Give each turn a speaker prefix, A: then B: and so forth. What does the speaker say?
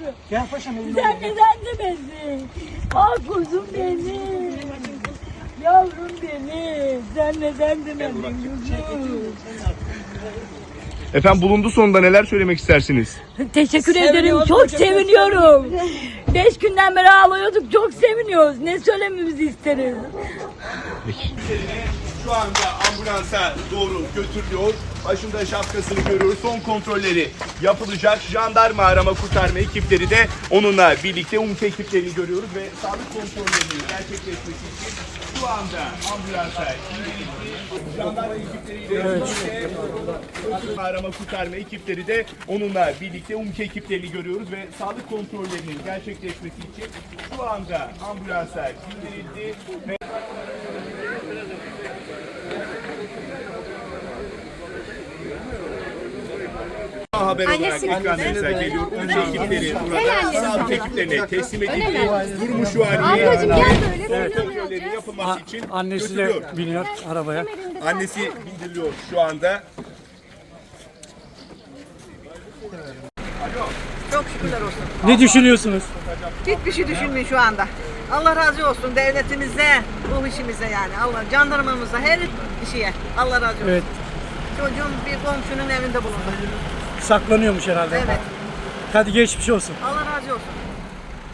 A: Gel paşam elini.
B: Sen neden demedin? Ah kuzum benim. Yavrum benim. Sen neden demedin kuzum?
C: Efendim bulundu sonunda neler söylemek istersiniz?
B: Teşekkür ederim. Çok seviniyorum. 5 günden beri ağlıyorduk. Çok seviniyoruz. Ne söylememizi isteriz?
C: Şu anda ambulansa doğru götürülüyor. Başında şapkasını görüyoruz. Son kontrolleri yapılacak. Jandarma arama kurtarma ekipleri de onunla birlikte UMKE ekiplerini görüyoruz ve sağlık kontrollerinin gerçekleşmesi için şu anda ambulansa indirildi. Jandarma ekipleriyle birlikte arama kurtarma ekipleri de onunla birlikte UMKE ekiplerini görüyoruz ve sağlık kontrollerinin gerçekleşmesi için şu anda ambulansa indirildi ve haber olarak ekranlarınıza geliyor. UMKE ekipleri burada sağlık ekiplerine teslim edildi. Durumu şu an
D: Ablacığım gel böyle.
C: kontrollerinin yapılması için
A: Annesi de
C: götürülüyor.
A: biniyor arabaya.
C: Annesi bindiriliyor şu anda.
E: Çok şükürler olsun.
A: Ne düşünüyorsunuz?
E: Hiçbir şey düşünmeyin şu anda. Allah razı olsun devletimize, ruh işimize yani. Allah jandarmamıza, her kişiye Allah razı olsun.
A: Evet.
E: Çocuğum bir komşunun evinde bulundu.
A: Saklanıyormuş herhalde.
E: Evet.
A: Hadi geçmiş olsun.
E: Allah razı olsun.